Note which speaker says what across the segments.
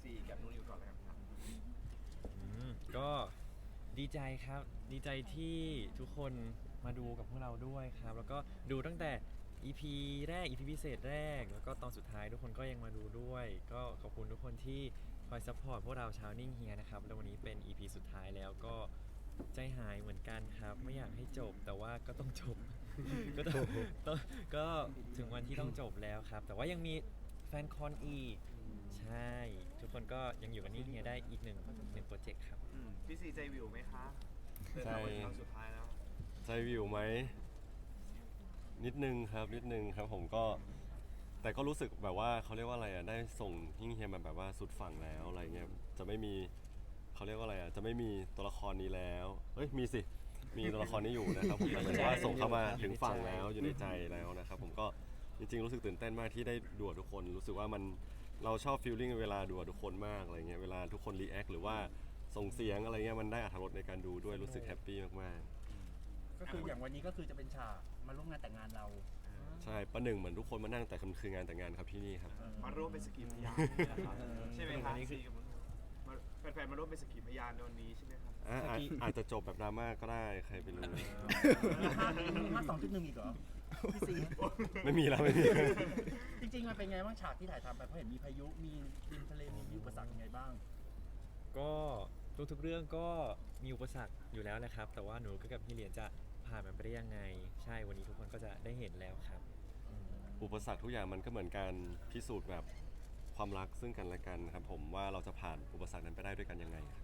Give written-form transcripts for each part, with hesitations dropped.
Speaker 1: กับนูนิวก่อนเลยครับ
Speaker 2: ก็ดีใจครับดีใจที่ทุกคนมาดูกับพวกเราด้วยครับแล้วก็ดูตั้งแต่ EP แรก EP พิเศษแรกแล้วก็ตอนสุดท้ายทุกคนก็ยังมาดูด้วยก็ขอบคุณทุกคนที่คอยซัพพอร์ตพวกเราชาวนิ่งเฮียนะครับแล้ววันนี้เป็น EP สุดท้ายแล้วก็ใจหายเหมือนกันครับไม่อยากให้จบแต่ว่าก็ต้องจบ ก็ต้องก็ถึงวันที่ต้องจบแล้วครับแต่ว่ายังมีแฟนคอนอีกใช่ทุกคนก็ยังอยู่กับนิ่งเฮียได้อีกหนึ่งโปรเจกต์ครับ
Speaker 1: พี่ซีใจวิวไหมคะเดินทางมาถึงครั้งสุดท้ายแล้ว
Speaker 3: ใจวิวไหมนิดนึงครับผมก็แต่ก็รู้สึกแบบว่าเขาเรียกว่าอะไรอ่ะได้ส่งยิ่งเฮียมาแบบว่าสุดฝั่งแล้วอะไรเงี้ยจะไม่มีเขาเรียกว่าอะไรอ่ะจะไม่มีตัวละครนี้แล้วเอ้ยมีสิมีตัวละครนี้อยู่นะครับผมแต่หมายถึงว่าส่งเข้ามาถึงฝั่งแล้วอยู่ในใจแล้วนะครับผมก็จริงๆรู้สึกตื่นเต้นมากที่ได้ดูกับทุกคนรู้สึกว่ามันเราชอบฟีลลิ่งเวลาดูกับทุกคนมากอะไรเงี้ยเวลาทุกคนรีแอคหรือว่าส่งเสียงอะไรเงี้ยมันได้อรรถรสในการดูด้วยรู้สึกแฮปปี้มากๆ
Speaker 4: ก็คืออย่างวันนี้ก็คือจะเป็นฉากมาร่วมงานแต่งงานเรา
Speaker 3: ใช่ประหนึ่งเหมือนทุกคนมานั่งแต่คืองานแต่งงานครับที่นี่ครับ
Speaker 1: มาร่วมเป็นสกีพยานนะครับใช่ไหมครับซีกับแฟนๆมาร่วมเป็นสกีพยานในวันนี้ใช่ไหมครับ
Speaker 3: อาจจะจบแบบดราม่าก็ได้ใครไปรู้
Speaker 4: มีภาค2.1อีกเหรอพี่ซี
Speaker 3: ไม่มีแล้วไม่มี
Speaker 4: จริงๆมันเป็นไงบ้างฉากที่ถ่ายทำไปเพราะเห็นมีพายุมีดินทะเลมีอุปสรรคยังไงบ้าง
Speaker 2: ก็ทุกๆเรื่องก็มีอุปสรรคอยู่แล้วนะครับ แต่ว่าหนูกับพี่เหรียญจะผ่านมันไปได้ยังไง ใช่วันนี้ทุกคนก็จะได้เห็นแล้วครับ
Speaker 3: อุปสรรคทุกอย่างมันก็เหมือนการพิสูจน์แบบความรักซึ่งกันและกันครับผมว่าเราจะผ่านอุปสรรคนั้นไปได้ด้วยกันยังไงครับ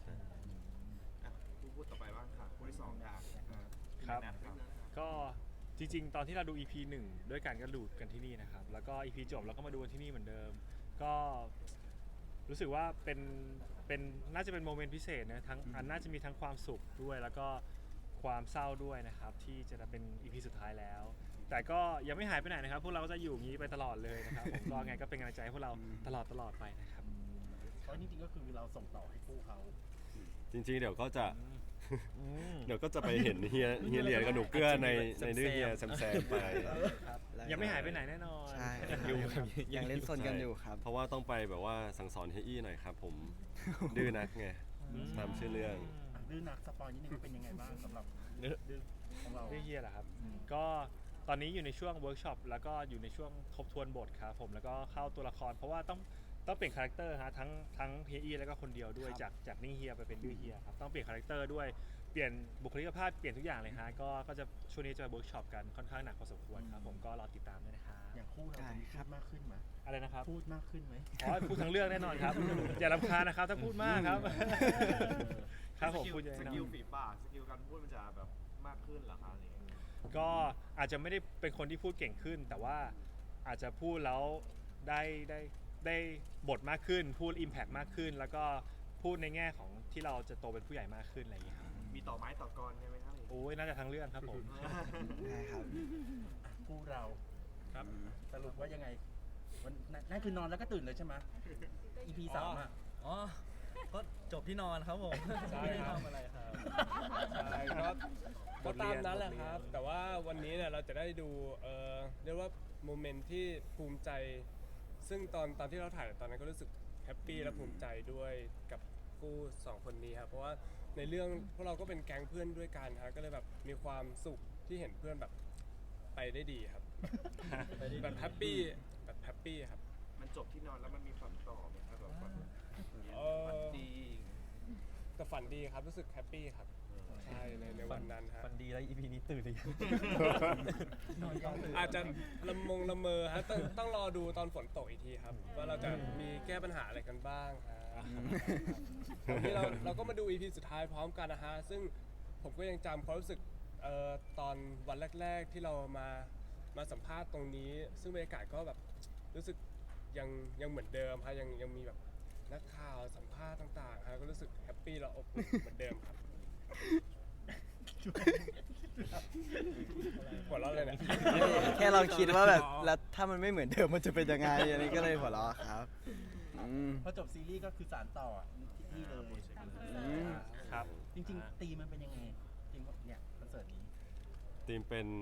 Speaker 1: ผู้พูดต่อไปบ้างค่ะผู้ที่สองอยาก
Speaker 5: ครับ
Speaker 1: นะครับ
Speaker 5: ก็จริงๆ ตอนที่เราดู EP 1 ด้วยกันก็ดูกันที่นี่นะครับ แล้วก็ EP จบเราก็มาดูกันที่นี่เหมือนเดิม ก็รู้สึกว่าเป็นน่าจะเป็นโมเมนต์พิเศษนะทั้งอันน่าจะมีทั้งความสุขด้วย แล้วก็ความเศร้าด้วยนะครับที่จะเป็น EP สุดท้ายแล้ว แต่ก็ยังไม่หายไปไหนนะครับ พวกเราก็จะอยู่อย่างนี้ไปตลอดเลยนะครับผมก็ไงก็เป็นกำลังใจให้พวกเราตลอดไปนะครับ
Speaker 4: เพราะจริงๆก็คือเราส่งต่อให้คู่เขา
Speaker 3: จริงๆเดี๋ยวก็จะไปเห็นเฮียเหรียญกับหนูเกื้อในเรื่องเฮียแซมไป
Speaker 5: ยังไม่หายไปไหนแน่นอน
Speaker 6: ใช่ ยังเล่นสนกันอยู่ครับ
Speaker 3: เพราะว่าต้องไปแบบว่าสั่งสอนเฮียอี้หน่อยครับผมดื้อนักไงตามชื่อเรื่อง
Speaker 4: ดื้อนักสปอยนิดนึงว่าเป็นยังไงบ้างสำหรับดื้อของเรา
Speaker 5: เรื่องเฮียเหรอครับ ก็ตอนนี้อยู่ในช่วงเวิร์กช็อปแล้วก็อยู่ในช่วงทบทวนบทครับผมแล้วก็เข้าตัวละครเพราะว่าต้องเปลี่ยนคาแรคเตอร์ฮะทั้งเฮียอี้แล้วก็คนเดียวด้วยจากนิ่งเฮียไปเป็นดื้อเฮียครับต้องเปลี่ยนคาแรคเตอร์ด้วยเปลี่ยนบุคลิกภาพเปลี่ยนทุกอย่างเลยฮะก็จะช่วงนี้จะเวิร์กช็อปกันค่อนข้างหนักพอสมควรครับผมก็รอติดตามด้วยนะครับ
Speaker 4: อย่างคู่เราจะมีพูดมากขึ้นไหม
Speaker 5: อะไรนะครับ
Speaker 4: พูดมากขึ้นไหม
Speaker 5: อ๋อพูดทั้งเรื่องแน่นอนครับ อย่ารำคาญนะครับถ้าพูดมากครับครับผมพูดเยอะ
Speaker 1: ส
Speaker 5: แน่นอ
Speaker 1: กิลฝีปากสกิลการพูดมันจะแบบมากขึ้นเหรอคะอะไรอย่างเงี้ย
Speaker 5: ก็อาจจะไม่ได้เป็นคนที่พูดเก่งขึ้น แต่ว่าอาจจะพูดแล้วได้บทมากขึ้น พูด Impact มากขึ้น แล้วก็พูดในแง่ของที่เราจะโตเป็นผู้ใหญ่มากขึ้นอะไรอย่างเงี้ยครับ
Speaker 1: มีต่อไม้ต่อกรใช่ไหมครับ
Speaker 5: โอ้ยน่าจะทั้งเรื่องครับผม
Speaker 6: ได้ครับ
Speaker 4: คู่เรา
Speaker 5: ครับ
Speaker 4: สรุปว่ายังไงวันนั่นคือนอนแล้วก็ตื่นเลยใช่ไหม EP 3อ่ะ
Speaker 6: อ๋อ ก็จบที่นอนครับผม
Speaker 7: ใช่
Speaker 6: ไม่ได้
Speaker 7: ครับ
Speaker 6: ทำอะไรครับ
Speaker 7: ใช่ก็ตามนั้นแหละครับ แต่ว่าวันนี้เนี่ยเราจะได้ดูเรียกว่าโมเมนต์ที่ภูมิใจ ซึ่งตอนที่เราถ่ายตอนนั้นก็รู้สึกแฮปปี้และภูมิใจด้วยกับคู่สองคนนี้ครับเพราะว่าในเรื่องพวกเราก็เป็นแก๊งเพื่อนด้วยกันครับก็เลยแบบมีความสุขที่เห็นเพื่อนแบบไปได้ดีครับ แบบแฮปปี้ครับ
Speaker 1: มันจบที่นอนแล้วมันมีฝันต่อไหมครับแบบฝัน
Speaker 7: เอ
Speaker 1: ฝัน
Speaker 7: อ
Speaker 1: ดี
Speaker 7: แต่ฝันดีครับรู้สึกแฮปปี้ครับใช่ในวันนั้นฮะ
Speaker 2: ฟันดีแล้ว EP นี้ตื่นหรือยัง
Speaker 7: อาจจะละเมอฮะต้องรอดูตอนฝนตกอีกทีครับ ว่าเราจะมีแก้ปัญหาอะไรกันบ้างฮะวันนี้เราก็มาดู EP สุดท้ายพร้อมกันนะฮะ ซึ่งผมก็ยังจำความรู้สึกตอนวันแรกๆที่เรามาสัมภาษณ์ตรงนี้ ซึ่งบรรยากาศก็แบบรู้สึกยังเหมือนเดิมฮะยังมีแบบนักข่าวสัมภาษณ์ต่างๆฮะก็รู้สึกแฮปปี้และอบอุ่นเหมือนเดิมครับหัวเราะเลยเนี่ย
Speaker 6: แค่เราคิดว่าแบบแล้วถ้ามันไม่เหมือนเดิมมันจะเป็นยังไงอันนี้ก็เลยหัวเราะครับม
Speaker 4: พอจบซีรีส์ก็คือสารต่อที่เลย
Speaker 5: ครับ
Speaker 4: จริงๆตีมันเป็นยังไงจริงๆเนี่ยคอนเสิร์ตนี้
Speaker 3: ทีมเป็น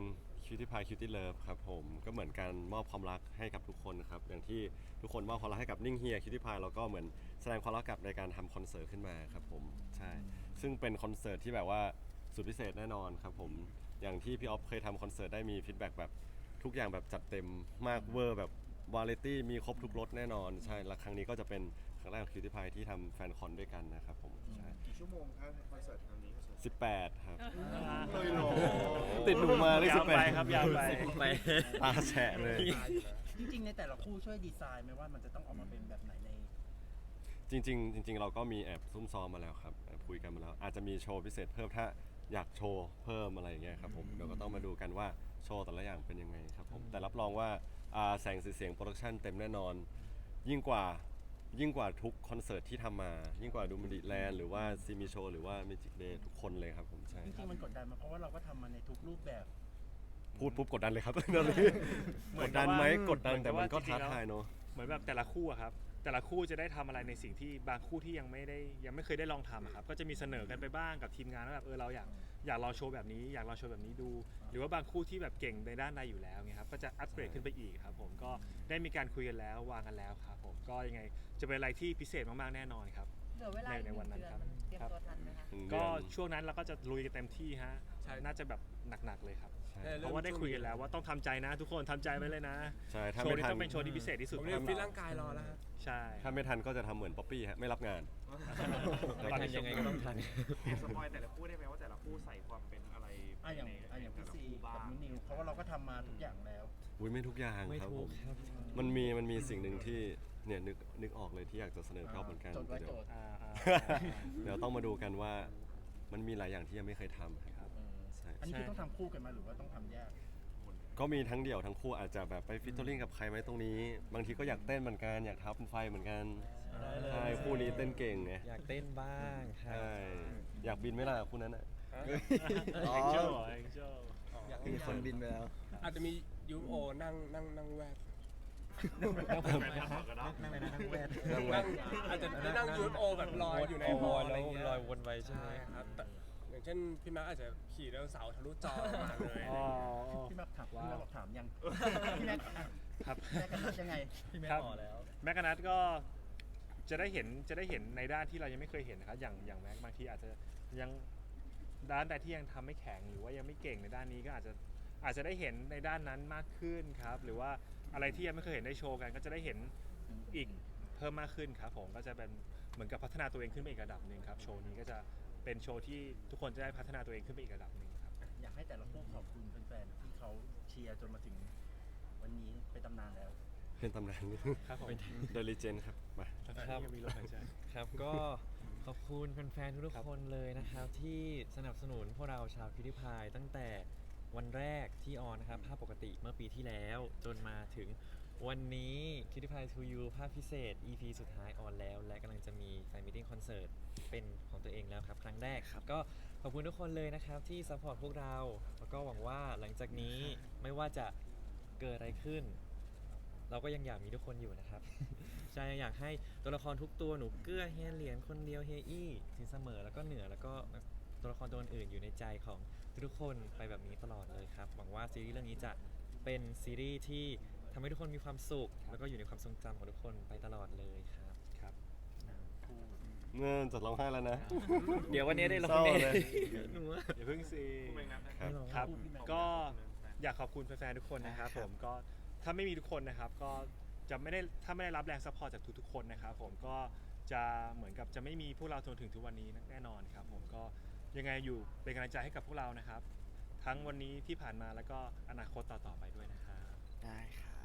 Speaker 3: Cutie Pie Cutie Love ครับผมก็เหมือนการมอบความรักให้กับทุกคนครับอย่างที่ทุกคนมอบความรักให้กับนิ่งเฮีย Cutie Pie แล้วก็เหมือนแสดงความรักกับในการทำคอนเสิร์ตขึ้นมาครับผมใช่ซึ่งเป็นคอนเสิร์ตที่แบบว่าสุดพิเศษแน่นอนครับผมอย่างที่พี่ออฟเคยทำคอนเสิร์ตได้มีฟีดแบ็กแบบทุกอย่างแบบจัดเต็มมากเวอร์แบบวาไรตี้มีครบทุกรสแน่นอนใช่และครั้งนี้ก็จะเป็นครั้งแรกของ Cutie Pie ที่ทำแฟนคอนด้วยกันนะครับผมใช่
Speaker 1: กี่ชั่วโมงครับคอนเสิร์ตครั้งนี้
Speaker 3: 18 ครับ
Speaker 1: เลยเหรอ
Speaker 3: ติดหนูมาเลย
Speaker 5: ยาวไป
Speaker 3: 18
Speaker 5: ครับยาวไป
Speaker 2: ไป
Speaker 3: ตาแฉะเลย
Speaker 4: จริงๆในแต่ละคู่ช่วยดีไซน์ไหมว่ามันจะต้องออกมาเป็นแบบไหนใน
Speaker 3: จริงๆเราก็มีแอบซุ่มซ้อมมาแล้วครับแอบคุยกันมาแล้ว อาจจะมีโชว์พิเศษเพิ่มถ้าอยากโชว์เพิ่มอะไรอย่างเงี้ยครับผมเดี๋ยวก็ต้องมาดูกันว่าโชว์แต่ละอย่างเป็นยังไงครับผมแต่รับรองว่าแสงสีเสียงโปรดักชันเต็มแน่นอน ยิ่งกว่าทุกคอนเสิร์ตที่ทำมา ยิ่งกว่าดูมิดิแลนด์หรือว่าซีมีโชว์หรือว่ามิจิกเดย์ทุกคนเลยครับผมใช่
Speaker 4: จริงๆมันกดดันมาเพราะว่าเราก็ทำมาในทุกรูปแบบ
Speaker 3: พูดปุ๊บกดดันเลยครับ ตอนนี้
Speaker 5: เหมื
Speaker 3: ก
Speaker 5: อน
Speaker 3: ด
Speaker 5: กับ
Speaker 3: ดันไหม
Speaker 5: ว่า
Speaker 3: กดดันแต่มันก็
Speaker 5: เหมือนกับว่า
Speaker 3: ท้าทายเนอะ
Speaker 5: เหมือนแบบแต่ละคู่อะครับแต่ละคู่จะได้ทำอะไรในสิ่งที่บางคู่ที่ยังไม่เคยได้ลองทำอะครับก็จะมีเสนอกันไปบ้างกับทีมงานว่าแบบเราอยากลองโชว์แบบนี้อยากลองโชว์แบบนี้ดู หรือว่าบางคู่ที่แบบเก่งในด้านใดอยู่แล้วเงี้ยครับก็จะอัปเกรดขึ้นไปอีกครับผมก็ได้มีการคุยกันแล้ววางกันแล้วครับผมก็ยังไงจะเป็นอะไรที่พิเศษมากๆแน่นอนครับ
Speaker 8: เหลือเวลาอีก
Speaker 5: ในวันนั้น
Speaker 8: 1 เดือน
Speaker 5: ครับ
Speaker 8: มันเตรียมตัวทันไหมคะ
Speaker 5: ก็ช่วงนั้นเราก็จะลุยกันเต็มที่ฮะ
Speaker 7: ใช่
Speaker 5: น่าจะแบบหนักๆเลยครับ
Speaker 3: ใช่
Speaker 5: เพราะว่าได้คุยกันแล้วว่าต้องทำใจนะ ทุกคนทำใจไว้เลยนะ
Speaker 3: ใช่ถ้า
Speaker 5: โชว์
Speaker 3: ไม่
Speaker 5: นี้
Speaker 3: ทัน
Speaker 5: ต้องเป็นโชว์ที่พิเศษที่สุด
Speaker 7: ผมเรียกฟิตร่างกายรอแล้วครับ
Speaker 5: ใช่
Speaker 3: ถ้าไม่ทันก็จะทำเหมือนป๊อปปี้ฮะไม่รับงาน
Speaker 2: ไม่ทันยังไงก็ต้องทัน
Speaker 1: แอบสปอยแต่ละคู่ได้ไหมว่าแต่ละคู่ใส่ความเป็นอะไร
Speaker 4: อย่างพี่ซี
Speaker 1: บ้า
Speaker 4: กับ
Speaker 1: ง
Speaker 4: นุ้นนิวเพราะว่าเราก็ทำมาทุกอย่างแล้ว
Speaker 3: อุ้ยไม่ทุกอย่าง
Speaker 2: ไม่
Speaker 3: ครับ
Speaker 2: ถู
Speaker 3: ผ
Speaker 2: ก
Speaker 3: ม
Speaker 2: ครับ
Speaker 3: มันมีสิ่งหนึ่งที่เนี่ยนึกออกเลยที่อยากจะเสนอพี่ออฟเหมือนกัน
Speaker 4: จดไว้
Speaker 3: เดี๋ยว
Speaker 4: โจทย์
Speaker 3: เดี๋ยวต้องมาดูกันว่ามันมีหลายอย่างที่ยังไม่เคยทำครับใช่
Speaker 4: อันนี้คือต้องทำคู่กันมาหรือว่าต้องทำแยก
Speaker 3: ก็มีทั้งเดี่ยวทั้งคู่อาจจะแบบไปฟิตเตอร์ลิงกับใครไหมตรงนี้ บางทีก็อยากเต้นเหมือนกันอยากท้าเป็นไฟเหมือนกันใช่คู่นี้เต้นเก่งไง
Speaker 2: อยากเต้นบ้างครับ
Speaker 3: ใช่อยากบินไหมล่ะคู่นั้นอ่ะ
Speaker 6: อ๋อ
Speaker 5: เอ็งเจลเอ็งเจล
Speaker 6: มีคนบินไปแล้ว
Speaker 7: อาจจะมียูโอนั่งแวด
Speaker 4: นั่งไปนั่งแวด
Speaker 7: นั่งอาจจะได้นั่งยูโอแบบลอยอยู่ในฮอลล์อะไรเงี้ย
Speaker 2: ลอยวนไปใช่ไหม
Speaker 7: ใช่ครับแต่อย่างเช่นพี่มาร์คอาจจะขี่ไดโนเสาร์ทะลุจอมาเลย
Speaker 5: อ๋อ
Speaker 4: พี่แม็กบอกถามยังพี่แม็ก
Speaker 5: ครับ
Speaker 4: แม็กกันยังไงพี่แม็ก
Speaker 5: ครับ
Speaker 4: ต่อแล้ว
Speaker 5: แม็กกานัทก็จะได้เห็นในด้านที่เรายังไม่เคยเห็นนะครับอย่างแม็กบางทีอาจจะยังด้านใดที่ยังทำไม่แข็งหรือว่ายังไม่เก่งในด้านนี้ก็อาจจะได้เห็นในด้านนั้นมากขึ้นครับหรือว่าอะไรที่ยังไม่เคยเห็นได้โชว์กัน ก็จะได้เห็นอีกเพิ่มมากขึ้นครับผมก็จะเป็นเหมือนกับพัฒนาตัวเองขึ้นไปอีกระดับหนึ่งครับโชว์นี้ก็จะเป็นโชว์ที่ทุกคนจะได้พัฒนาตัวเองขึ้นไปอีกระดับหนึ่งครับ
Speaker 4: อยากให้แต่ละคู่ขอบคุณแฟนๆที่เขาเชียร์จนมาถึงวันนี้เป็นตำนานแล้ว
Speaker 3: เป็นตำนาน
Speaker 5: ครับผม
Speaker 3: The Legend ครับมา
Speaker 2: ครับ
Speaker 5: ยังมีลมหายใจ
Speaker 2: ครับก็ขอบคุณแฟนๆทุกๆคนเลยนะครับ ที่สนับสนุนพวกเราชาวคิวตี้พายตั้งแต่วันแรกที่ออนนะครับภาพปกติเมื่อปีที่แล้ว จนมาถึงวันนี้คิวตี้พาย to you ภาพพิเศษ EP สุดท้ายออนแล้ว และกำลังจะมีแฟนมิทติ้งคอนเสิร์ตเป็นของตัวเองแล้วครับ ครั้งแรกครับก็ขอบคุณทุกคนเลยนะครับที่ซัพพอร์ตพวกเรา แล้วก็หวังว่าหลังจากนี้ไม่ว่าจะเกิดอะไรขึ้น เราก็ยังอยากมีทุกคนอยู่นะครับ ใช่อยากให้ตัวละครทุกตัวหนูเกื้อเฮียเหรียญคนเดียวเฮียอี้สินเสมอแล้วก็เหนือแล้วก็ตัวละครตัวอื่นอยู่ในใจของทุกๆคนไปแบบนี้ตลอดเลยครับหวังว่าซีรีส์เรื่องนี้จะเป็นซีรีส์ที่ทำให้ทุกคนมีความสุข แล้วก็อยู่ในความทรงจำของทุกคนไปตลอดเลยครับ
Speaker 5: ครับ
Speaker 3: เงื่อนจะร้องไห้แล้วนะ
Speaker 2: เดี๋ยววันนี้ได้ลง
Speaker 3: เศร้า
Speaker 2: แน่
Speaker 3: เลย
Speaker 2: หนูว่า
Speaker 5: อย่าเพิ่งสิ
Speaker 3: ครับ
Speaker 5: ครับก็อยากขอบคุณแฟนๆทุกคนนะครับผมก็ถ้าไม่มีทุกคนนะครับก็จะไม่ได้ถ้าไม่ได้รับแรงซัพพอร์ตจากทุกๆคนนะครับผมก็จะเหมือนกับจะไม่มีพวกเราจนถึงทุกวันนี้แน่นอนครับผมก็ยังไงอยู่เป็นกำลังใจให้กับพวกเรานะครับ ทั้งวันนี้ที่ผ่านมาแล้วก็อนาคตต่อๆไปด้วยนะครับ
Speaker 6: ได้ครับ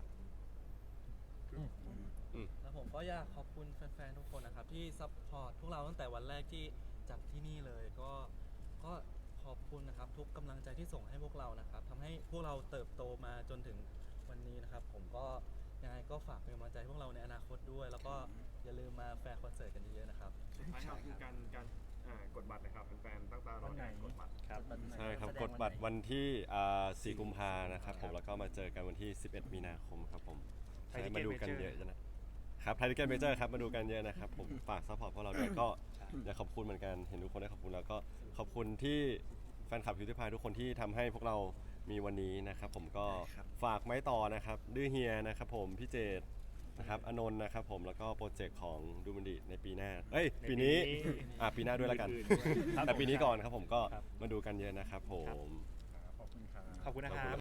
Speaker 9: แล้วผมก็อยากขอบคุณแฟนๆทุกคนนะครับที่ซัพพอร์ตพวกเราตั้งแต่วันแรกที่จัดที่นี่เลยก็ขอบคุณนะครับทุกกำลังใจที่ส่งให้พวกเรานะครับทำให้พวกเราเติบโตมาจนถึงวันนี้นะครับผมก็ยังไงก็ฝากเป็นกำลังใจให้พวกเราในอนาคตด้วย แล้วก็อย่าลืมมาแฟนคอนเสิร์ตกันเยอะๆนะครับ
Speaker 1: สุดท้ายครับคือการกดบัตรนะครับแฟนๆตั้งตารอการกดบัตร
Speaker 5: ครับ
Speaker 3: ใช่ครับกดบัตรวันที่4 กุมภานะครับผมแล้วก็มาเจอกันวันที่ 11 มีนาคมครับผม
Speaker 5: ไท
Speaker 3: ใช่
Speaker 5: ยทิเก็ต
Speaker 3: มาดูกัน
Speaker 5: เมเจอร์
Speaker 3: เยอะนะครับไทยทิเก็ตเมเจอร์ครับมาดูกันเยอะนะครับผมฝากซัพพอร์ตพวกเราด้วยก็อยากขอบคุณเหมือนกันเห็นทุกคนได้ขอบคุณแล้วก็ขอบคุณที่แฟนคลับคิวตี้พายทุกคนที่ทำให้พวกเรามีวันนี้นะครับผมก็
Speaker 6: ได้ครับ
Speaker 3: ฝากไม้ต่อนะครับดื้อเฮียนะครับผมพี่เจตนะครับอนนท์นะครับผมแล้วก็โปรเจกต์ของดูมันดีในปีหน้าปีนี้ปีหน้าด้วยแล้วกัน
Speaker 5: ครับ
Speaker 3: แต่ปีนี้ก่อนครับผมก็
Speaker 5: ครับ
Speaker 3: มาดูกันเยอะนะครับผม
Speaker 5: ขอบคุณนะครับ